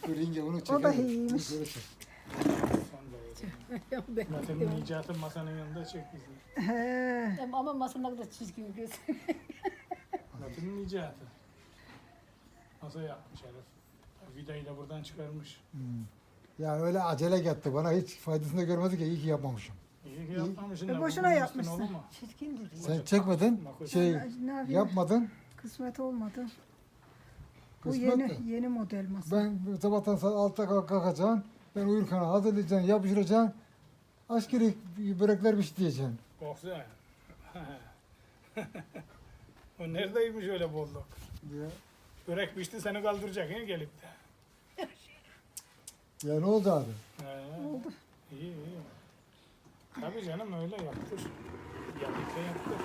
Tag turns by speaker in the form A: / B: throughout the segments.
A: Dur ince onu
B: O da
A: çekelim.
B: iyiymiş.
A: Bunu böyle çek.
C: Metin'in icatı masanın yanında çek bizi.
B: He.
D: Ama masanın da çizgin göz.
C: Metin'in icatı. Masa yapmış herif. Vidayı da buradan çıkarmış.
A: Yani öyle acele gitti. Bana hiç faydasını da görmedik ya. İyi ki yapmamışım.
C: İyi ki yapmamışsın.
B: E,
C: da
B: boşuna
C: bugün
B: yapmışsın.
C: üstüne olur mu?
D: Çirkin duruyor.
A: Sen çekmedin. Şey
B: Ne yapayım?
A: yapmadın.
B: Kısmet olmadı. Bu
A: Kısmet de.
B: yeni model masa.
A: Ben sabahtan saat 6'da kalkacaksın. Ben uyurken hazırlayacaksın, yapıştıracaksın. Askeri börekler pişireceksin.
C: Korksa. O neredeymiş öyle bolluk?
A: Ya,
C: Börek pişti seni kaldıracak he gelip de.
A: ya ne oldu abi?
B: Oldu.
C: İyi iyi. Tabii canım öyle yaptır. Yaptıkça yaptır.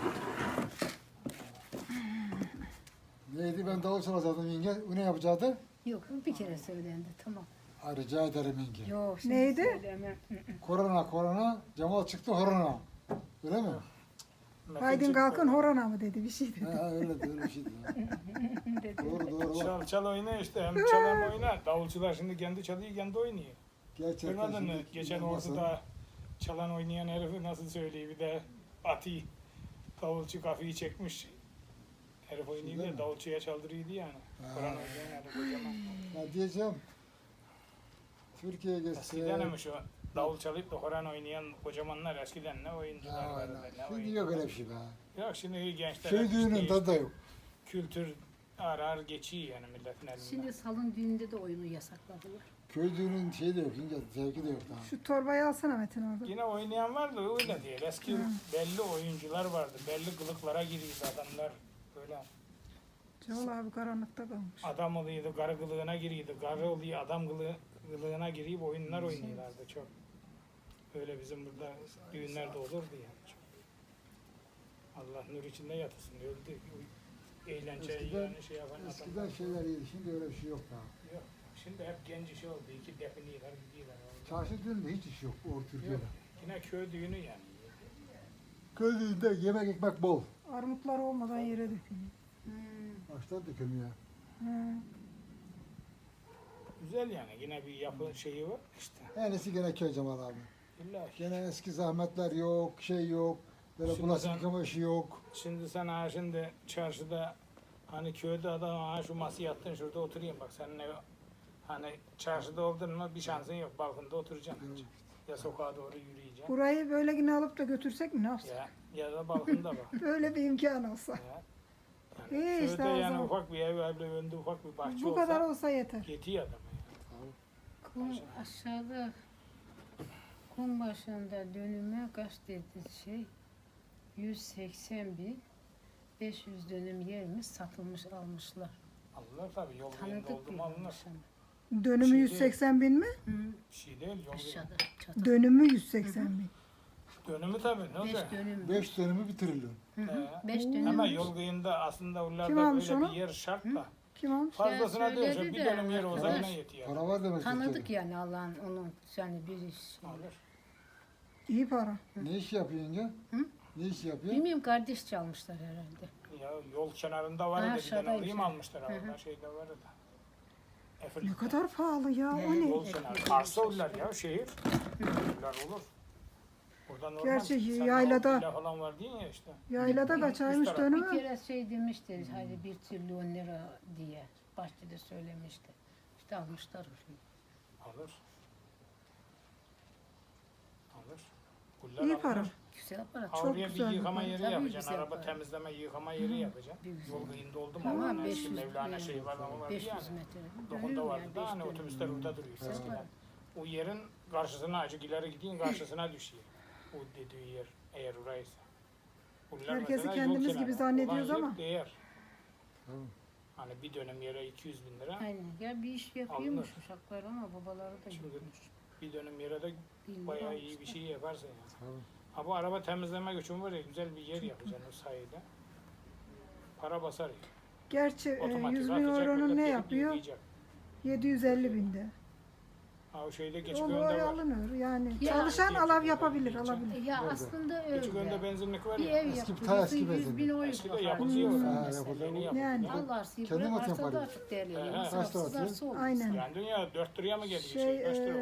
A: Neydi ben davul çalacaktım yenge. O ne yapacaktı?
D: Yok bir kere söylendi tamam.
A: Ha, rica ederim yenge.
D: Yok şimdi
B: Neydi?
D: söyleyemem.
A: Korona, Cemal çıktı horona. Öyle mi?
C: Metin
B: Haydin
C: çıktı.
B: kalkın horona mı dedi bir şey dedi.
A: Ha, öyle de öyle bir şeydi. ya.
D: Dedi.
A: Doğru bak.
C: Çal çal oyna işte. Hem çalan oynar. Davulcular şimdi kendi çalıyor kendi oynuyor.
A: Gerçekten
C: Görmedin mi?
A: şimdi
C: Geçen
A: olmasa-
C: ortada çalan oynayan herifi nasıl söylüyor bir de Ati davulcu kafayı çekmiş. Herif oynuyor
A: Öyle
C: ya
A: mi?
C: davulcuya çaldırıyordu yani.
A: Ha.
C: Kur'an oynayan herif kocaman.
A: Ya diyeceğim. Türkiye'ye
C: Eskiden
A: geçse.
C: mi şu davul çalıp da Kur'an oynayan kocamanlar eskiden ne oyuncular
A: Ha,
C: vardı ne
A: şimdi
C: oyuncular.
A: yok öyle bir şey be.
C: Yok şimdi gençler
A: Köy
C: hep
A: düğünün
C: işte
A: tadı da yok.
C: kültür arar geçiyor yani milletin elinden.
D: Şimdi salon düğünde de oyunu yasakladılar.
A: Köy düğünün şeyi de yok ince. Zevki de yok daha.
B: Şu torbayı alsana Metin orada.
C: Yine oynayan var da öyle değil. Eski belli oyuncular vardı. Belli kılıklara giriyordu adamlar. Böyle
B: Cemal abi karanlıkta kalmış.
C: adam oluyordu, karı kılığına giriyordu. Karı oluyor, adam kılığına girip oyunlar oynuyorlardı çok. Öyle bizim burada düğünlerde olurdu yani çok. Allah nur içinde yatırsın. Öldü. Eğlence
A: Eskiden-
C: yani şey yapan
A: Eskiden
C: adamlar.
A: şeyler iyiydi. Şimdi öyle bir şey yok daha.
C: Yok. Şimdi hep genç işi oldu. İki definiyorlar, gidiyorlar.
A: Çarşı düğünde hiç iş yok o Türkiye'de.
C: Yok. Yine köy düğünü yani.
A: Köy düğünde yemek ekmek bol.
B: Armutlar olmadan yere dökülüyor.
A: Baştan dökülmüyor.
B: He.
C: Güzel yani. Yine bir yapı şeyi var işte.
A: En iyisi gene köy Cemal abi.
C: İlla ki.
A: Gene eski zahmetler yok, şey yok. Böyle
C: Şimdi
A: bulaşık
C: sen-
A: yıkama işi yok.
C: Şimdi sen ha şimdi çarşıda hani köyde adam ha şu masaya yattın şurada oturayım bak seninle hani çarşıda oldun mu bir şansın yok balkonda oturacaksın. Ya sokağa doğru yürüyeceksin
B: Burayı böyle yine alıp da götürsek mi ne yapsak?
C: ya da balkonda bak.
B: Böyle bir imkan olsa.
C: Ya.
B: İyi
C: Yani
B: işte
C: köyde
B: o
C: yani
B: zaman.
C: ufak bir ev evle önünde ufak bir bahçe
B: Bu kadar
C: olsa
B: olsa yeter.
C: yetiyor adama ya.
D: Kum aşağıda kum başında dönüme kaç dedi şey 180 bin 500 dönüm yermiş satılmış almışlar.
C: Alınır tabii yol yerinde
D: Tanıdık
C: oldu
D: bir
C: mu alınır.
D: almış ama.
B: Dönümü
C: Şimdi-
B: 180 bin mi?
D: Hı,
C: Bir şey değil yol
D: aşağıda
C: yerinde.
D: çatı.
B: Dönümü 180 bin.
C: Dönümü tabii ne
D: 5
C: olacak?
D: dönüm.
A: 5 dönümü bitirirler.
D: Hı hı,
C: He.
D: 5 dönüm.
C: Ama yol kıyında aslında
B: Kim
C: oralarda
B: almış
C: böyle
B: onu?
C: bir yer şart da.
B: Kim almış?
C: Fazlasına
D: Ya
C: diyorsa
D: söyledi
C: bir
D: de
C: dönüm yer olsa
D: arkadaş,
C: yine yetiyor.
A: Para var demek
D: Tanıdık
A: Türkiye'de.
D: yani Allah'ın onun yani bir şey.
C: Alır.
B: İyi para.
A: Ne iş yapıyor yenge?
D: Hı?
A: Ne iş yapıyor?
D: Bilmiyorum kardeş çalmışlar herhalde.
C: Ya yol kenarında var
D: Ha,
C: da bir
D: aşağıda
C: tane alayım
D: işte.
C: almışlar
D: Hı
C: orada
D: hı.
C: şeyde var da. Efil.
B: Ne kadar pahalı ya o
D: Evet.
B: ne?
C: Yol kenarı. Arsa olurlar ya şehir. Olurlar olur. Burada normal.
B: Gerçi
C: Sen
B: yaylada-
C: o villa falan var değil ya işte.
B: Yaylada kaçaymış
C: Üst taraf.
D: Bir
B: dönümü?
D: kere şey demişti hadi 1 trilyon lira diye bahçede söylemişti. İşte almışlar orayı.
C: Alır. Alır. Kullar
B: İyi
C: alınır.
B: para.
D: Güzel para.
C: Ha,
B: Çok
C: oraya bir
B: güzel bir
C: yıkama
B: para.
C: yeri
D: Tabii
C: yapacaksın.
D: güzel
C: Araba
D: para.
C: temizleme yıkama yeri yapacaksın.
D: Bir güzel.
C: Yol kıyında oldu mu?
D: Ama
C: Ama
D: 500
C: Mevlana şeyi var ama var
D: 500
C: yani.
D: metre.
C: Dokunda
D: Dönüyor
C: vardı
D: yani,
C: da
D: 5
C: hani
D: dönüm.
C: otobüsler orada duruyor
D: Güzel
C: eskiden.
D: para.
C: O yerin karşısına acık ileri gideyim karşısına düşüyor. O dediği yer eğer oraysa. Bunlar
B: Herkesi
C: mesela yol
B: kendimiz
C: kenarı.
B: gibi zannediyoruz
C: Olan yer
B: ama.
C: Değer.
A: Tamam.
C: Hani bir dönem yere 200 bin lira.
D: Aynen. Ya bir iş yapıyormuş
C: Alınır.
D: uşaklar ama babaları da
C: Şimdi
D: yokmuş.
C: bir dönem yere de
D: Bilmiyorum,
C: bayağı iyi bir
D: almışlar.
C: şey yaparsın yani.
A: Tamam.
C: Ha bu araba temizleme göçün var ya güzel bir yer yapacaksın o sayede. Para basar ya.
B: Gerçi
C: Otomatik
B: 100 bin
C: atacak,
B: euronun
C: millet
B: ne
C: gelip
B: yapıyor?
C: yürüyecek.
B: 750 binde.
C: Ha o şeyde
B: Onu
C: Geçiköy'ünde
B: oraya
C: var.
B: alınır. Yani
D: Ya-
B: çalışan alav yapabilir,
C: Geçiköy'de.
B: alabilir.
D: Ya
A: Nerede?
D: aslında
C: Geçiköy'ünde
D: öyle.
C: benzinlik var
D: Bir
C: ya.
D: ev
A: Eski-
D: yaptırıyorsun,
A: ta eski
D: 100 bin
A: benzinlik.
D: euro
C: Eskide
D: para
C: yapılıyor.
D: alıyorsun
A: Ha,
D: mesela.
A: yapılıyor.
C: Yeni yapılıyor.
B: Yani.
D: Allarsa
A: Kendi
D: bırak
A: matem
D: arsada
A: parayı.
D: artık değerli.
C: He, he.
A: Kaç lira atıyor?
D: Arsa olmuş.
B: Aynen.
C: Yani dünya 4 liraya mı geliyor?
B: Şey,
C: Kaç lira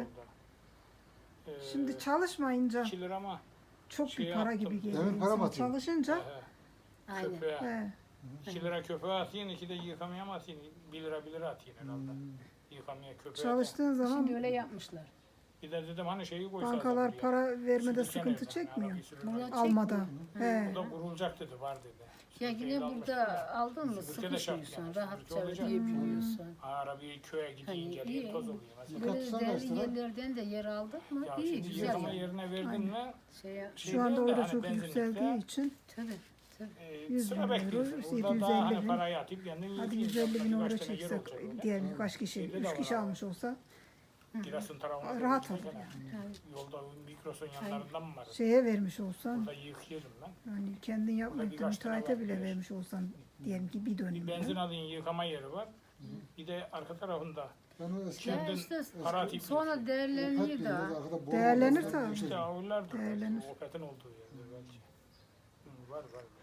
B: e,
C: oldu?
B: Şimdi çalışmayınca
C: 2 lira mı?
B: çok
C: şey
B: bir para
C: yaptım.
B: gibi geliyor.
A: Demir para mı
B: İnsan
A: atıyor?
B: çalışınca
D: Aynen.
C: Köpeğe.
B: he,
C: 2 lira köpeğe atayım, 2 de yıkamaya mı atayım? 1 lira atayım herhalde. Yıkamaya köpeğe.
B: çalıştığın
D: Şimdi
B: zaman
D: öyle yapmışlar.
C: Bir de dedim hani şeyi koysalar.
B: bankalar
C: buraya.
B: para vermede
C: Sürürken
B: sıkıntı
C: evden,
B: çekmiyor.
C: arabayı sürürken.
D: Bunlar
B: Almada. He.
C: Bu da kurulacak dedi, var dedi.
D: Ya
C: Süpürgeyi
D: yine
C: almıştım
D: burada
C: da.
D: aldın mı
C: Süpürge de şart
D: sıkışmıyorsun,
C: yani,
D: rahatça
C: süpürge olacak.
D: ödeyebiliyorsun.
C: Arabayı köye gideyim
D: Hani
C: geleyim
D: iyi.
C: toz oluyor mesela.
D: Böyle
A: Tutsana
D: değerli
A: işte lan.
D: yerlerden de yer aldık mı
C: Ya
D: iyi,
C: şimdi
D: güzel
C: yıkama
D: yani.
C: yerine verdin
B: Aynen.
C: mi?
D: Şey,
B: Şu anda
C: değil de
B: orada
C: hani
B: çok
C: benzinlikte,
B: yükseldiği için
D: tabii, tabii.
B: 100
C: sıra
B: bin
C: bekliyorsun.
B: euro,
C: Burada daha
B: 750
C: hani
B: bin.
C: parayı atıp kendin
B: Hadi
C: yıkayacaksın.
B: 150 bin euro
C: Birkaç tane yer
B: çeksek
C: olacak öyle.
B: diyelim kaç kişi,
C: Şeyde de
B: 3
C: var
B: kişi
C: abi.
B: almış olsa
C: Giresun tarafına
B: rahat
C: doğru
B: olur
C: gitmek
B: yani.
C: yani. Yolda Mikros'un yanlarından mı var?
B: Şeye vermiş olsan,
C: Burada yıkayalım ben.
B: yani kendin yapmayıp da
C: birkaç tane
B: müteahhite
C: var,
B: bile
C: evet.
B: vermiş olsan diyelim ki bir
C: Bir
B: dönüm.
C: benzin alayım yıkama yeri var. Bir de arka tarafında
A: Ben o eski
D: Ya
C: Kendin
D: işte
C: para atıp
D: sonra
A: Opet
D: değerleniyor
A: bir
D: da.
A: yerde arkada boğma
B: Değerlenir
A: var.
B: tabii.
C: işte avlulardır.
B: Değerlenir.
C: O Opet'in olduğu yerde belki. Var burada var.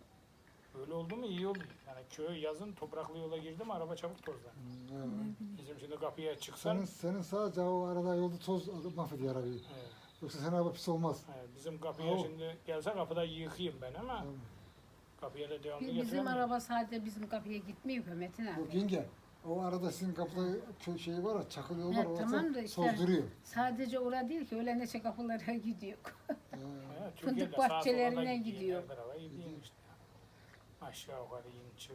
C: Öyle oldu mu iyi oldu. Yani köy yazın topraklı yola girdim araba çabuk tozlar.
A: Evet.
C: Bizim şimdi kapıya çıksan
A: Senin sadece o arada yolda toz mahvediyor arabayı.
C: evet,
A: Yoksa senin araba pis olmaz.
C: evet, bizim kapıya
A: Oo.
C: şimdi gelse kapıda yıkayayım ben ama
A: Tamam.
C: kapıya da devamlı
D: Bizim
C: getiremem.
D: araba sadece bizim kapıya gitmiyor Metin abi.
A: Yok yenge, o arada sizin kapıda köy şeyi var ya, çakıl yol var,
D: Evet,
A: orada
D: tamam da işte-
A: tozduruyor.
D: Sadece orada değil ki öyle neçe kapılara gidiyor.
C: Evet,
D: Fındık
C: Türkiye'de sağa sola da
D: bahçelerine
C: gideyim,
D: gidiyor.
C: her tarafa gideyim işte. Aşağı yukarı in çık.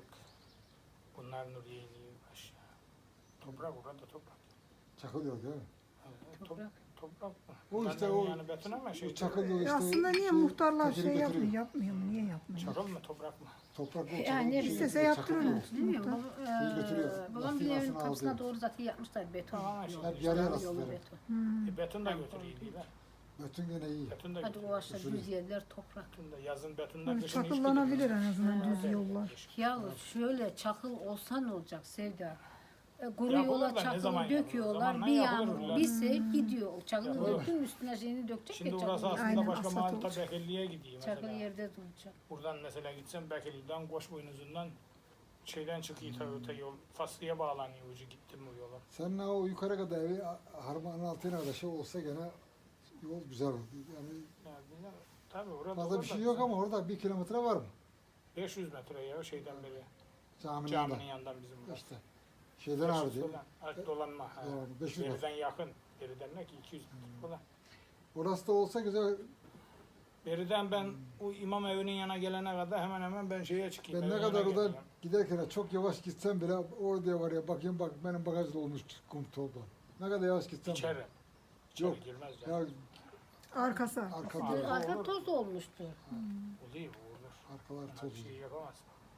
C: Bunlar Nuriye iniyor aşağı. Toprak orada toprak.
A: Çakıl yol değil mi?
C: Evet,
D: Toprak.
C: Toprak mı?
A: O
C: Bunlar
A: işte
C: da
A: o-
C: yani beton ama şey.
A: O çakıl yol
B: E
A: işte.
B: aslında niye
A: şey,
B: muhtarlar
A: tekeri
B: şey
A: götürüyor.
B: yapmıyor mu? Niye yapmıyor?
C: Çakıl mı toprak mı?
A: Toprak o
D: Yani
A: çakıl şey
B: istese
A: götürüyor,
B: yaptırır
A: çakıl yol.
B: mı?
D: Bilmiyorum.
A: Şeyi götürüyor,
D: Babam bir
A: lastiğin
D: evin
A: altına
D: kapısına
A: alıyor.
D: doğru zaten yapmışlar beton.
C: Tamam,
D: yolu,
C: hep
A: yarı yarı
D: yolu
A: aslında.
D: beton.
B: Hmm.
C: Beton da götürüyor değil mi?
A: Beton gene iyi.
C: Beton da
D: Hadi
C: götürüyor.
D: o aşağı düz yerler toprak.
C: Beton da yazın betonda
B: Yani
C: kışın hiç
B: çakıllanabilir
C: gidilmez.
B: en azından
D: Ha.
B: düz yollar.
D: Ya şöyle çakıl olsa ne olacak Sevda? Kuru
C: Yapılır
D: yola
C: da ne
D: çakılı
C: zaman yapılır?
D: döküyorlar.
C: Zamanla
D: Bir
C: yapılır
D: yağmur,
C: ulan.
D: bir sel gidiyor. Çakılı
C: Yapılır.
D: döktün üstüne şeyini dökecek
C: Şimdi
D: ya
C: orası
D: çakılı.
C: aslında
B: Aynen,
C: başka
B: asfalt
C: mahallede
B: olacak.
C: Bekirli'ye gideyim
D: Çakıl
C: mesela.
D: yerde duracak.
C: Buradan mesela gitsem Bekirli'den Koçboynuzundan şeyden çıkıyor tabii öte yol. Faslı'ya bağlanıyor ucu gittim bu yola.
A: Senin o yukarı kadar evi harmanın altına kadar şey olsa gene yol güzel olur. Yani
C: Yani bilmiyorum, tabii orada
A: fazla bir şey yok ama orada 1 kilometre var mı?
C: 500 metre ya şeyden beri.
A: Caminin
C: Caminin
A: yanında.
C: yanından bizim burası.
A: İşte şeyden ağrı diyor.
C: Ark dolanma. Ha.
A: Doğru, 500 metre.
C: Beriden yakın. Beriden ne ki 200 metre falan.
A: Orası da olsa güzel.
C: Beriden ben o imam evinin yana gelene kadar hemen hemen ben şeye çıkayım.
A: Ben ne
C: evin
A: kadar
C: yanına
A: oradan
C: geleyim.
A: giderken çok yavaş gitsem bile orada var ya, bakayım bak benim bagaj dolmuş kum tolda. Ne kadar yavaş gitsem.
C: İçeri. İçeri
A: Yok.
C: girmez
A: Ya
C: yani.
B: Arkası.
A: arka
C: Aa,
A: diyor.
D: Arka
C: olur.
D: toz olmuştu.
C: Oluyor olur.
A: Arkalar
C: Yani
A: toz.
C: bir şey yapamaz.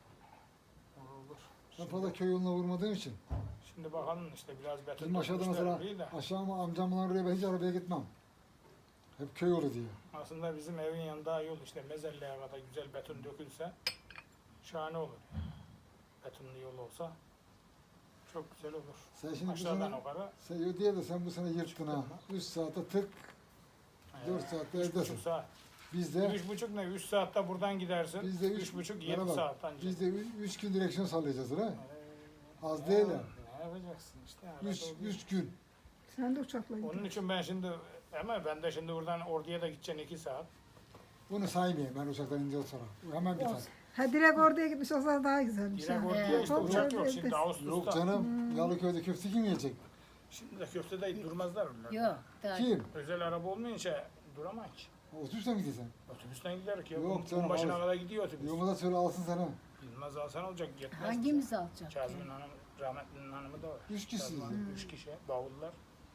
C: Olur.
A: Ben fazla köy yoluna vurmadığım için.
C: Şimdi bakalım işte biraz beton
A: Bizim aşağıda
C: dökmüşler
A: mesela
C: burayı da.
A: aşağı mı amcamla oraya ben hiç arabaya gitmem. Hep köy yolu diyor.
C: Aslında bizim evin yanında yol işte mezelleye kadar güzel beton dökülse şahane olur. Betonlu yol olsa çok güzel olur.
A: Sen şimdi bu
C: Aşağıdan
A: sene,
C: yukarı
A: sen yo diye de sen bu sene yırttın ha. 3 saate tık, 4 saatte
C: 3,5
A: evdesin.
C: saat.
A: Biz de
C: 3,5 ne? 3 saatte buradan gidersin.
A: Biz de
C: 3,5 7
A: bana bak,
C: saat ancak.
A: biz de 3 gün direksiyon sallayacağız ha. Az
C: Ne-
A: değil ha.
C: Ne yapacaksın işte.
A: 3 gün.
B: Sen de uçakla
C: Onun
B: gidin.
C: için ben şimdi ama ben de şimdi buradan orduya da gideceksin 2 saat.
A: Bunu saymayayım ben uçaktan ince sonra. Hemen biter.
B: Ha direkt oraya gitmiş olsa daha güzelmiş.
C: Direkt
B: ha.
C: orduya işte
B: Çok
C: uçak
B: güzel
C: yok
B: bir
C: şimdi
B: evdesin.
C: Ağustos'ta.
A: Yok canım. Yalıköy'de köfte kim yiyecek?
C: Şimdi de köftede durmazlar onlar.
D: Yok. Daha
A: Kim?
C: Özel araba olmayınca duramaz ki.
A: Otobüsle mi gideceksin?
C: Otobüsten gider ki.
A: Yok
C: Yok
A: canım,
C: başına
A: alır.
C: kadar gidiyor otobüs.
A: Yolda da söyle alsın sana.
C: Bilmez alsan olacak yetmez.
D: hangimiz alacak?
C: Kazım'ın hanım, rahmetlinin hanımı da var.
A: 3 kişiyiz.
C: Kazım'ın 3 kişi, bavullar.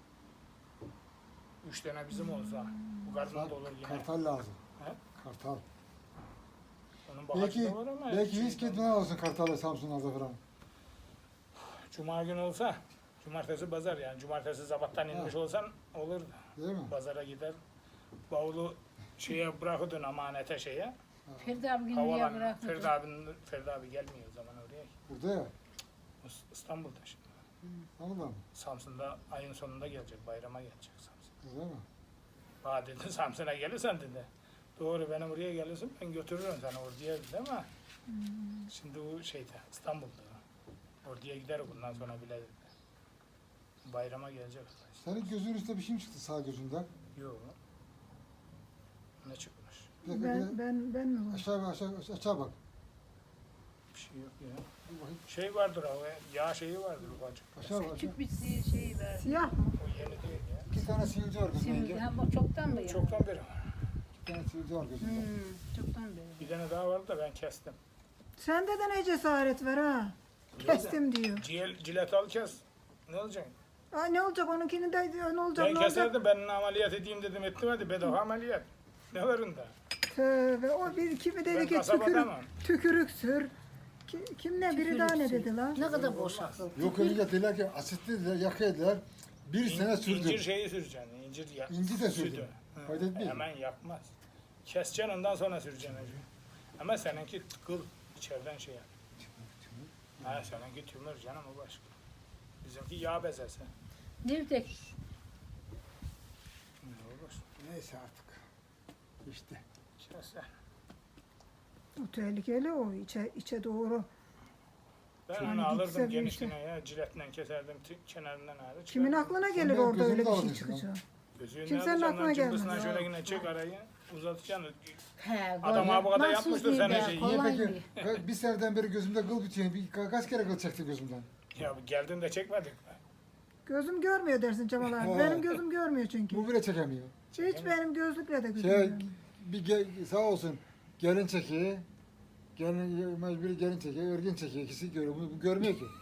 C: 3 tane bizim olsa bu karnında olur yine.
A: Kartal lazım.
C: He?
A: Kartal.
C: Onun bagajı
A: Belki,
C: da var ama.
A: belki
C: şey-
A: hiç gitmeden olsun Kartal'la Samsun'da falan.
C: Cuma günü olsa, cumartesi pazar yani. Cumartesi sabahtan inmiş olsan olurdu.
A: Değil mi?
C: Pazara gider, bavulu şeye bırakırdın amanete şeye.
D: Ferdi abi günlüğe
C: Havalan,
D: bırakmadı.
C: Ferdi abi gelmiyor o zaman oraya.
A: Burada ya.
C: İstanbul'da şimdi.
A: Anladın mı?
C: Samsun'da ayın sonunda gelecek, bayrama gelecek Samsun.
A: Öyle mi?
C: Bana dedi Samsun'a gelirsen dedi. Doğru benim oraya gelirsin ben götürürüm seni oraya dedi ama şimdi o şeyde İstanbul'da. Oraya gider bundan sonra bile dedi. Bayrama gelecek.
A: Senin gözünün üstünde bir şey mi çıktı sağ gözünden?
C: Yok. Ne çıkmış?
A: Bir dakika, bir dakika.
B: Ben mi var?
A: Aşağı bak.
C: Bir şey yok ya.
A: Bir bakayım.
C: Şey vardır o yağ şeyi vardır ufacık.
A: Aşağı bak.
D: Küçük bir şey ver.
B: Siyah mı?
C: O yeni değil ya.
A: 2 tane sivilce var gözünde.
D: Şimdi
A: yenge.
D: ha, bu çoktan mı ya?
C: Çoktan beri var.
A: 2 tane sivilce var gözünde.
D: Çoktan beri.
C: Bir tane daha vardı da ben kestim.
B: Sende de ne cesaret var ha? Kestim diyor.
C: Cilet al kes. Ne olacak?
B: Aa, ne olacak onunkini de ne olacak
C: Ben
B: ne olacak?
C: keserdim ben ameliyat edeyim dedim ettim hadi bedava ameliyat. Ne var onda?
B: Tövbe o bir kimi dedi
C: Ben
B: ki
C: kasabada mı?
B: tükürük sür. Kim ne biri daha ne
D: Tükürük
B: dedi lan?
D: Ne kadar boş akıl.
A: Yok öyle dediler ki asitli dediler, yakıyorlar. Bir sene sürdü.
C: İncir şeyi süreceksin. İncir ya.
A: İnci de sürdü.
C: sütü. Hı.
A: Fayda etmiyor.
C: Hemen yakmaz. Keseceksin ondan sonra süreceksin acı. Ama seninki tıkıl içeriden şey yap. Ha seninki tümör canım o başka. Bizimki yağ bezesi.
D: Nerede?
C: Ne olur?
A: Neyse artık. İşte.
C: Keser.
B: O tehlikeli o içe doğru.
C: Ben
B: Yani
C: onu
B: gitse
C: alırdım
B: bir
C: genişliğine ya ciletle keserdim kenarından ağrı.
B: Kimin aklına gelir
A: benim
B: orada öyle
A: gözümü
B: bir şey
A: aldın
B: çıkacak?
C: Gözüğünü
B: Kimsenin
C: alacaksın,
B: aklına
C: cımbızına
B: gelmez.
C: şöyle yine çek arayı uzatacaksın.
D: He,
C: Adam
D: kolay.
C: bu kadar
D: Mahsus
C: yapmıştır
D: değil
C: sana
D: be,
C: şeyi.
A: Niye
D: kolay
A: peki?
D: bir.
A: Bir seneden beri gözümde kıl bitiyor. Kaç kere kıl çekti gözümden?
C: Ya geldin de çekmedik mi?
B: Gözüm görmüyor dersin Cemal abi.
A: He.
B: Benim gözüm görmüyor çünkü.
A: Bu bile çekemiyor.
B: Hiç benim gözlükle de gözüm
A: Şey,
B: görmüyor.
A: sağ olsun gelin çekiyor. Mecburi gelin çekiyor, örgün çekiyor. İkisi görüyor. Bu görmüyor ki.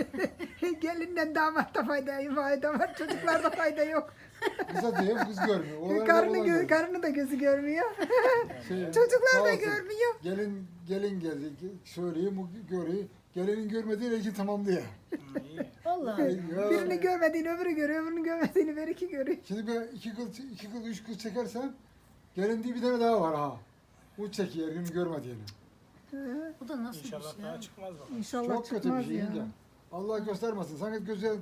B: Gelinden damatta fayda var. Çocuklarda fayda yok.
A: Kıza diyor, kız görmüyor. Oğlan
B: Karını, karını da gözü görmüyor. Çocuklar
A: sağ
B: da
A: olsun.
B: görmüyor.
A: Gelin geldi. Söyleyeyim, bu görüyor. Gelinin görmediği ilgi tamamlıyor.
C: İyi.
D: Allah.
A: Ya.
B: Birini görmediğini öbürü görüyor, öbürünü görmediğini bir iki görüyor.
A: Şimdi ben iki kıl, üç kıl çekersem gelin diye bir tane daha var ha. Bu çekiyor, günü görmediğini.
D: Bu da nasıl
C: İnşallah
D: bir şey
C: daha
D: ya?
C: çıkmaz bakalım.
B: İnşallah
A: Çok kötü bir
B: çıkmaz
A: şey
B: ya.
A: yenge. Allah göstermesin. Sanki gözlerin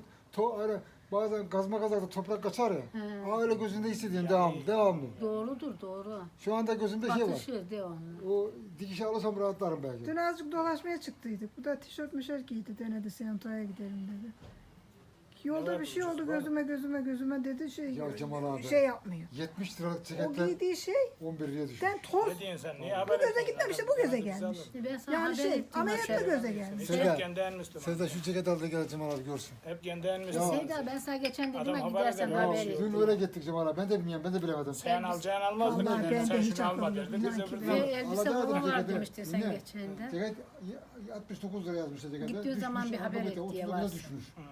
A: bazen kazma kazakta toprak kaçar ya.
D: He.
A: Aa öyle gözünde hissediyorsun
C: Yani-
A: devamlı.
D: Doğrudur doğru.
A: Şu anda gözümde şey var.
D: Batışır devamlı.
A: O dikişi alırsam rahatlarım belki.
B: Dün azıcık dolaşmaya çıktıydık. Bu da tişört mişört giydi denedi Sento'ya gidelim dedi. Yolda
C: Evet,
B: bir şey oldu
C: ucuz var.
B: gözüme dedi
A: Ya Cemal abi.
B: şey yapmıyor.
A: 70 liralık
B: O
A: ceketler
B: giydiği şey
A: 11 liraya düşmüş.
B: den toz.
C: Ne diyorsun sen? Niye
B: Bu
C: haber
B: göze
C: etmiyorsun?
B: gitmemiş de bu göze
C: Biz
B: gelmiş.
C: alırız.
D: Ben sana
B: Yani
D: haber
B: şey,
D: ettim.
B: ameliyatla
D: aşağıda.
B: göze gelmiş.
C: Hiç
A: Seda.
C: hep kendi en Müslüman.
A: Sevda şu ceket al da gel Cemal abi görsün.
C: Hep kendi en
A: Ya.
C: Müslüman.
D: Seda ben sana geçen dedim
C: Adam
D: ya
C: haber
D: gidersen
C: eder,
D: haber
C: ya.
D: et.
A: Dün öyle gittik Cemal abi. Ben de bilmiyorum, ben de bilemedim.
C: Sen alacağını almazdın.
B: Allah,
C: dedin.
B: ben de
C: Sen
B: hiç
C: şunu alma
B: aklım
C: derdin.
B: yok.
C: Biz
B: İnan ki
C: öbür
D: Ve
B: ben-
D: elbise
A: Alacağım
D: falan var
A: ceketi.
D: demişti sen
A: Ne?
D: geçende.
A: Ceket 69 lira yazmışlar ceketler.
D: Gittiği zaman bir haber et diye
A: 30 lira
D: varsın.
A: düşmüş.
C: Hı.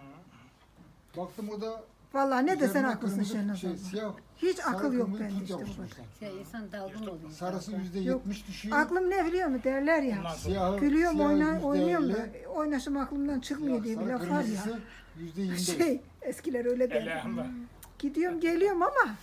A: Baktım orada
B: Vallahi ne desen
A: üzerine
B: haklısın
A: kırmızı
B: Şenaz
A: şey,
B: abla.
A: siyah,
B: Hiç
A: sarı
B: akıl yok
A: kırmızı
B: bende
A: tut
B: işte bu kadar.
A: yapıştırmışlar.
D: Şey, insan dalgın oluyor.
A: Sarısı
D: dalgın.
A: %70 düşüyor.
B: Aklım ne biliyor musun derler ya.
C: Ondan sonra
A: Siyahı,
B: Gülüyorum
A: siyahı
B: oynuyorum da
A: %50,
B: oynaşım aklımdan çıkmıyor diye bir laf var ya.
A: kırmızısı %25.
B: Şey eskiler öyle der.
C: Elhamdülillah.
B: Gidiyorum geliyorum ama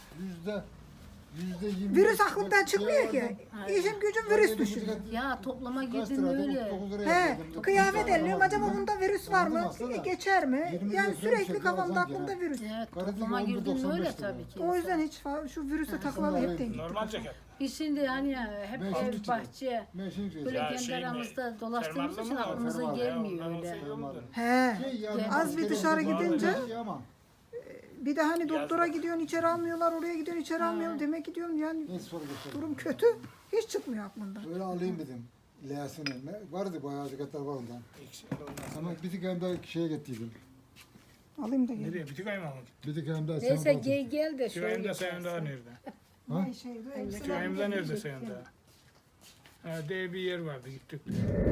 A: %25.
B: virüs aklımdan çıkmıyor ki.
D: Aynen.
B: İşim gücüm virüs düşürüyor.
D: Ya toplama
A: Kaç
D: girdin
A: liraydı?
D: öyle.
A: 39 liraya
B: He,
A: geldim.
B: kıyafet elliyorum. Acaba
A: Aldım.
B: bunda virüs var mı?
A: Aldım aslında.
B: Geçer mi?
A: 20
B: Yani
A: lira
B: sürekli
A: fiyat
B: kafamda
A: alsam
B: aklımda
A: gene.
B: virüs.
D: Evet
A: Karı
D: toplama
A: diyor,
D: girdin
A: 11.95
D: öyle
A: lira.
D: tabii ki.
B: O yüzden hiç şu virüse takılalı hep denk.
C: Normal ceket.
D: Biz şimdi hani ya, hep
A: Ben şimdi
D: ev bahçe
A: Ben şimdi
D: böyle
C: Ya
D: kendi
C: şey mi?
D: aramızda dolaştığımız
C: Fermuarlı
D: için
C: mı?
D: aklımıza
A: Fermuarlı.
D: gelmiyor
C: Ondan
D: öyle.
C: seviyorum.
B: He.
A: Az
B: bir dışarı gidince-
A: Ama
B: Bir de hani doktora
C: Yazlık.
B: gidiyorsun içeri almıyorlar, oraya gidiyorsun içeri almıyorlar. Demek ki diyorum yani
A: neyse sonra göstereyim.
B: durum kötü. Hiç çıkmıyor aklımdan.
A: Öyle alayım dedim. L'sini. Vardı bayağı ceketler var ondan.
C: İkisi de ondan sonra.
A: Ama bir tık hem de şeye gittiydim.
B: Alayım da geleyim.
C: Nereye? Bitik ayı mı aldın?
A: Bir tık hem de
D: Neyse gel de
C: Bitik ayım
D: şöyle.
C: da senin daha nerede?
A: Ha?
B: Ne şeydi?
C: Bitik ayım da nerede senin daha? Ha, diye bir yer vardı gittik.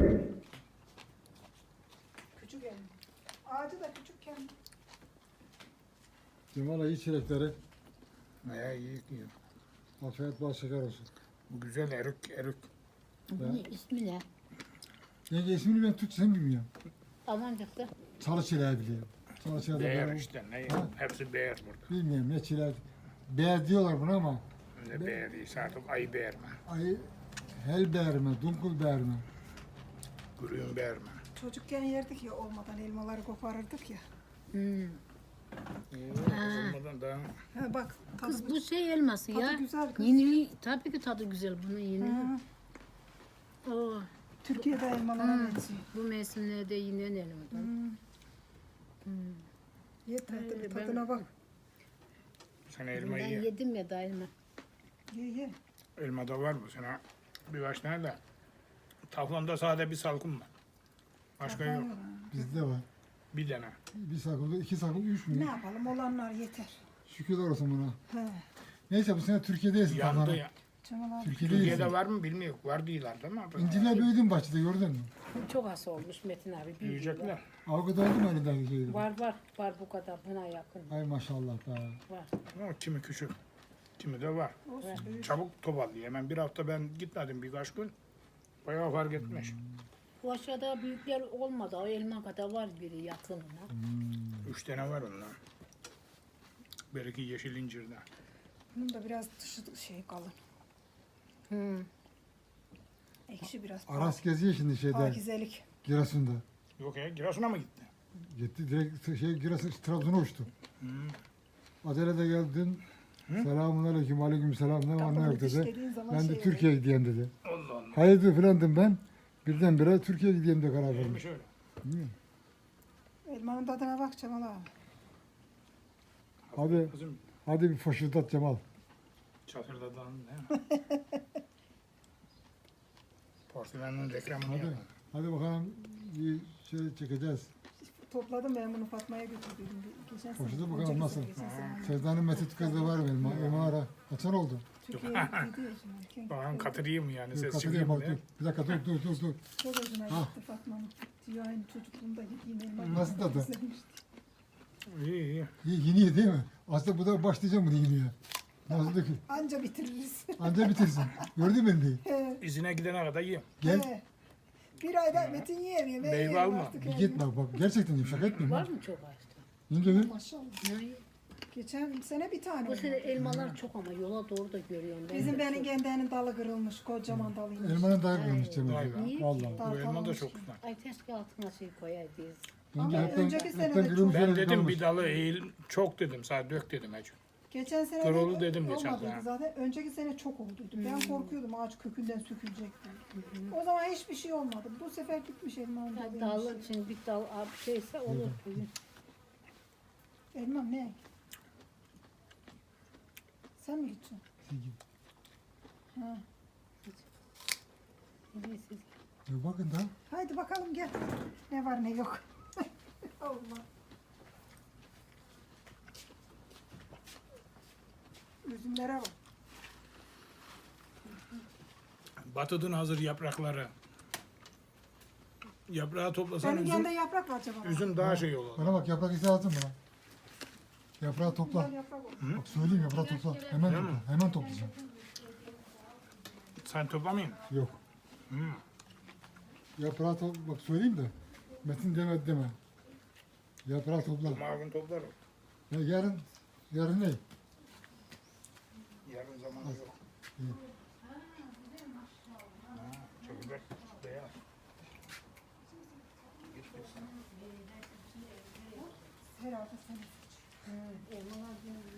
B: Küçük elim. Ağacı da küçükken.
A: Cemal iyi çilekleri.
C: Ya iyi yiyor.
A: Afiyet bal şeker olsun.
C: Bu güzel erük erük.
D: Bunun ismi ne?
A: Yenge ismini ben Türkçesini bilmiyorum.
D: Almancakta.
A: Çalı çileği biliyorum. Çalı çileği de
C: Beğer
A: böyle-
C: işte. Ne?
A: Ha?
C: Hepsi beğer burada.
A: Bilmiyorum ne çileği. Beğer diyorlar buna ama
C: Ne beğer değilse artık ayı beğer mi?
A: ay hel beğer mi, dunkul beğer mi?
C: Kuruyun beğer mi?
B: Çocukken yerdik ya olmadan elmaları koparırdık ya.
C: Bozulmadan daha.
B: Ha, bak tadı,
D: Kız bu şey elması
B: tadı
D: ya.
B: güzel kız.
D: Yeni, tabii ki tadı güzel bunun yeni.
B: Ha,
D: Oo,
B: Türkiye'de elmalara benziyor.
D: bu mevsimlerde yinen elmadan.
B: Yeter tabii,
D: Ben-
B: tadına bak.
C: Sen
D: Ben
C: elmayı ye.
D: yedim ya daima.
B: Ye.
C: Elmada var bu sene. Birkaç tane de. Taflamda sade bir salkım var. Başka yok.
A: Bizde var.
C: Bir tane.
A: Bir sakımda, iki sakım, üç
B: Ne
A: mü?
B: yapalım, olanlar yeter.
A: Şükürler olsun buna.
B: He.
A: Neyse bu sene Türkiye'deyiz.
C: Yandı
A: Taflan'a.
C: ya.
B: Cemal abi.
A: Türkiye'deyiz.
C: Türkiye'de var mı bilmiyorum. Var diyorlar değil mi?
A: İncirler büyüdü bahçede gördün mü?
D: Çok az olmuş Metin abi. büyüdü
C: Büyüyecekler.
D: ya.
A: Avukata oldu mu elindeki şeyleri?
D: Var bu kadar buna yakın.
A: Ay maşallah be.
D: Var.
C: Ama kimi küçük. Kimi de var.
B: Olsun, büyük.
C: Çabuk toparlıyor. Hemen bir hafta ben gitmedim birkaç gün. Bayağı fark etmiş.
D: Bu aşağıda büyükler olmadı. O elma kadar var biri yakınına.
C: 3 tane var ondan. Belki yeşil incirden.
B: Bunun da biraz dışı şey kalın.
D: Hı.
B: Ekşi biraz.
A: Aras geziyor şimdi şeyde,
B: Pakizelik.
A: Giresun'da.
C: Yok ya Giresun'a mı gitti?
A: Gitti direkt Giresun, Trabzon'a uçtu. Adele de geldin. Selamun aleyküm, aleyküm selam. Ne var ne
B: Kapını
A: yok dedi.
B: dişlediğin zaman
A: Ben de
B: şey
A: Türkiye'ye gideyim dedi.
C: Allah Allah.
A: Hayırdır filan dedim ben. Birdenbire Türkiye'ye gideyim de karar verdim.
C: Neymiş öyle?
B: Elmanın tadına bak Cemal abi.
A: Hadi,
C: Kızım
A: hadi bir foşurdat Cemal.
C: çatırdadan değil mi? Porselen'in reklamını
A: Hadi,
C: yapın.
A: hadi bakalım bir şey çekeceğiz.
B: Topladım ben bunu Fatma'ya götürdüm. Geçen sene.
A: Hoşuna bakalım
B: önceki
A: nasıl?
B: sene, geçen sene.
A: Sevdanın Mesut kızı var benim. Elmalara. Kaçan oldu?
B: Türkiye'ye gittiydi ya şimdi.
C: Bakalım katırayım mı yani?
A: Dur,
C: Ses
A: katılıyorum
C: çıkıyor mu?
A: bak dur. Bir dakika dur.
B: Çok hoşuna
A: Ah.
B: gitti Fatma'nın. Diyor aynı çocukluğumda yediğim elma.
A: Nasıl tadı?
B: Güzelmişti.
C: İyi.
A: Yeni ye değil mi? Aslında bu da başlayacağım bunu yemeye. Nasıl da ki?
B: Anca bitiririz.
A: Anca bitirsin. Gördün mü beni?
B: He,
C: İzine gidene kadar yiyeyim.
A: Gel.
B: he. Bir ayda Metin yiyemiyor. Ben
C: Meyve
B: yerim
C: alma.
B: artık
A: Bir
B: her
A: git
B: gün.
A: bak bak. Gerçekten yiyeyim. Şaka etmiyorum.
D: Var
A: ha.
D: mı çok ağaçta?
A: Yenge bir.
B: Maşallah.
D: Yani
B: Geçen sene bir tane
D: bu sene
B: olmadı.
D: elmalar çok ama yola doğru da görüyorum. Ben
B: Bizim
D: de
B: benim
D: çok.
B: gendenin dalı kırılmış. Kocaman dalıymış.
A: Elmanın dayak vermiş Cemil.
C: Vay be.
D: Niye?
A: Vallahi.
B: Dal
C: Bu elma da
B: kalmış.
C: çok güzel.
D: Ay keşke altına şey koyaydınız.
A: Yenge
B: Ama
A: hepten,
B: önceki sene
A: hepten
B: de
A: kırılmış
C: Ben
A: yere
C: dedim
A: kalmış.
C: bir dalı eğil. Çok dedim. Sadece dök dedim hacı.
B: Geçen sene
C: Kırıldı
B: de
C: dedim geçen
B: olmadıydı
C: sene.
B: zaten. Önceki sene çok olduydu. Ben korkuyordum ağaç kökünden sökülecek diye. O zaman hiçbir şey olmadı. Bu sefer gitmiş elmanın
D: Yani
B: dalıymış.
D: dalın için bir dal abi şeyse olur.
B: Elmam ne? Sen mi gideceksin? Ha.
D: Neyse.
A: Bakın da.
B: Haydi bakalım gel. Ne var ne yok. Allah. Üzümlere bak.
C: Batıdın hazır yaprakları. Yaprağı toplasan
B: Senin
C: üzüm,
B: yanında yaprak var acaba?
C: üzüm daha şey olur.
A: Bana bak yaprak izi lazım bana. Yaprağı topla.
B: Güzel yaprak olur.
A: Bak söyleyeyim yaprağı topla. Hemen
C: Değil mi?
A: topla. Hemen toplayacağım.
C: Sen toplamayın.
A: Yok.
C: Hı.
A: Yaprağı topla. Bak söyleyeyim de. Metin demedi deme. Yaprağı topla.
C: Cuma gün toplarım.
A: Ya yarın ne?
C: Yarın zamanı yok.
A: İyi.
C: Çocuklar beyaz.
B: Herhalde senin.
D: Elmalar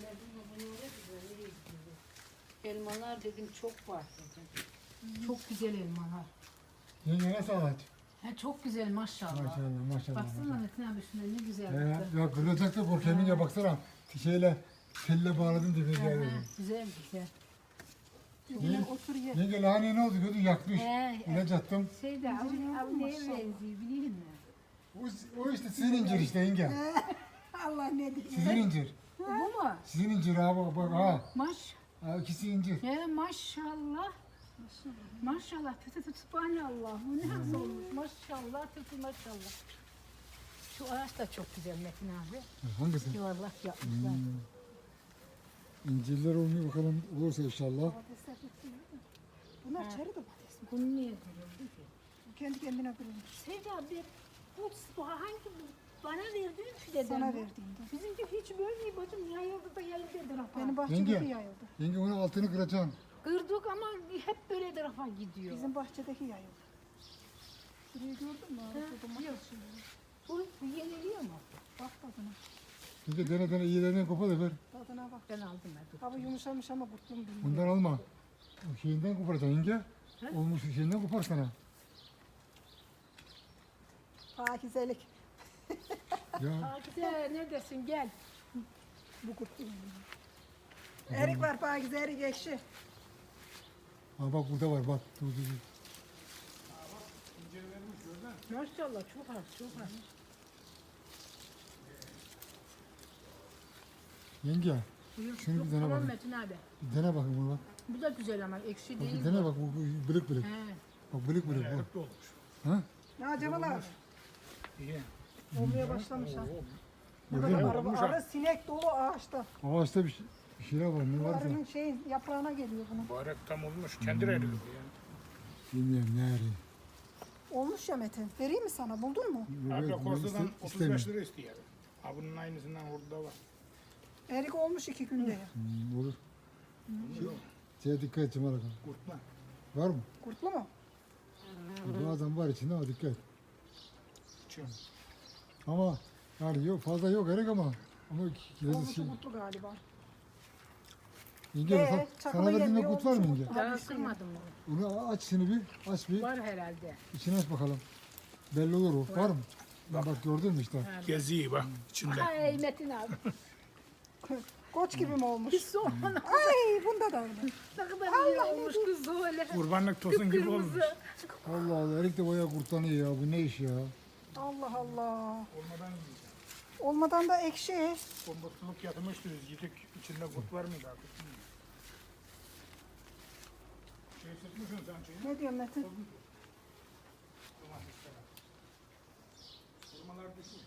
D: elmalar dedim çok var dedim. Çok güzel elmalar.
A: Yenge nasıl ağaç?
D: Ha, çok güzel maşallah.
A: Maşallah.
D: Baksana Metin abi şuna ne güzel.
A: Ya kırılacak da korkuyorum yenge baksana. Şeyle telle bağladım diye
D: Ha,
A: geldi.
D: güzel güzel.
B: Yine otur ye.
A: Yenge lahane ne oldu? Gördün yakmış.
D: He,
A: İlaç attım.
D: şeyde abi neye benziyor biliyor musun?
A: O işte sizin incir işte yenge.
B: Allah ne diyeyim.
A: Sizin incir.
D: Bu mu?
A: Sizin incir ha bak ha.
D: Maş.
A: Ha ikisi incir.
D: He maşallah. Maşallah. Tütü tütü subhanallah. Bu ne nasıl olmuş? Maşallah tütü maşallah. Şu ağaç da çok güzel Metin abi.
A: Hangisi?
D: Yuvarlak yapmışlar.
A: İncirler olmuyor bakalım olursa inşallah.
B: Patatesler tutuyor. Bunlar çeri domates mi?
D: Bunu niye kırıldı ki?
B: Bu kendi kendine kırılmış.
D: Sevda abi bu hangi bana verdiğin fideden
B: Sana
D: mi?
B: verdiğimde.
D: Bizimki hiç böyle değil bacım. Yayıldı da yayıldı etrafa.
B: Benim bahçedeki
A: Yenge.
B: yayıldı.
A: Yenge onun altını kıracaksın.
D: Kırdık ama hep böyle etrafa gidiyor.
B: Bizim bahçedeki yayıldı. Şurayı gördün mü? Orada domates.
D: Bu yeniliyor mu?
B: Bak tadına.
A: Şimdi dene dene iyilerinden kopa da ver.
B: Tadına bak.
D: Ben aldım ben.
B: Hava yumuşamış ama kurtlum bilmiyorum.
A: Bundan alma. O şeyinden koparacaksın yenge. Olmuş şeyinden kopar sana.
B: Pakizelik.
A: Ya
D: Pakize neredesin gel.
B: Bu kurtlum. Erik var pakize, erik ekşi.
A: ha bak burada var bak. Dur dur dur.
D: Maşallah çok az çok az.
A: Yenge
D: Buyur.
A: Şunu bir dene
D: Tamam
A: bakayım.
D: Metin abi.
A: bir dene bakın bunu bak.
D: Bu da güzel ama ekşi
A: Bak
D: değil.
A: bir dene bak bu bılık bılık.
D: He.
A: Bak bılık bılık bu.
C: Erikli olmuş.
A: Ha?
B: Ya Cemal abi.
C: İyi.
B: Olmaya başlamış ha. Ne
A: Gördün
B: kadar
A: mü?
B: arı, arı sinek dolu ağaçta.
A: Ağaçta bir şeyler var ne
B: Bu
A: varsa.
B: arının şeyin yaprağına geliyor bunun.
C: Mübarek tam olmuş. Kendi eriyor ya.
A: Bilmiyorum ne arayayım.
B: Olmuş ya Metin. Vereyim mi sana? Buldun mu?
C: Abi
A: Yok,
C: korsadan
A: iste-
C: 35
A: istemiyorum.
C: lira istiyor. Ha bunun aynısından orada var.
B: Erik olmuş 2 günde ya.
A: Olur. Şeye dikkat et Cemal Ağa.
C: Kurtma.
A: Var mı?
B: Kurtlu mu?
A: Bazen var içinde ama dikkat et.
C: Çıkıyor.
A: Ama yani yok fazla yok erik ama kilosu
B: Olmuş
A: şey.
B: kurtlu galiba.
A: Yenge
B: çakılı
A: sana verdiğinde
B: yemiyor,
A: kut var mı
B: olmuş
A: yenge?
B: kurtlu.
D: Daha
B: bir şey
D: ısırmadım onu.
A: Onu aç şimdi bir aç bir
D: Var herhalde.
A: içini aç bakalım. Belli olur o. Var mı? Bak gördün mü işte.
C: Geziyi bak içinde.
D: Ay Metin abi.
B: Koç gibi mi olmuş?
D: Hiç soğumana.
B: Ay bunda da öyle.
D: Ne kadar iyi olmuş kız öyle.
C: Kurbanlık tosun gibi olmuş.
D: Kırmızı.
A: Allah Allah erik de bayağı kurtlanıyor ya. Bu ne iş ya?
B: Allah Allah.
C: Olmadan yiyeceğim.
B: Olmadan da ekşi.
C: Kombotluluk yatmıştı biz yedik. İçinde kurt var mıydı artık? bilmiyorum. Şey sıkmışsın sen şeyi.
B: Ne diyorsun Metin?
C: Kurmalar düşmüş.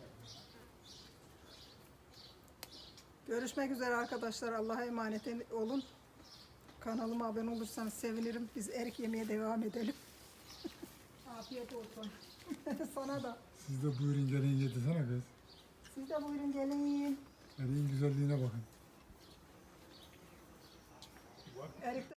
B: Görüşmek üzere arkadaşlar. Allah'a emanet olun. Kanalıma abone olursanız sevinirim. Biz erik yemeye devam edelim.
D: Afiyet olsun.
B: Sana da.
A: Siz de buyurun gelin yedirsene kız.
B: Siz de buyurun gelin yiyin.
A: Eriğin güzelliğine bakın.
B: Erik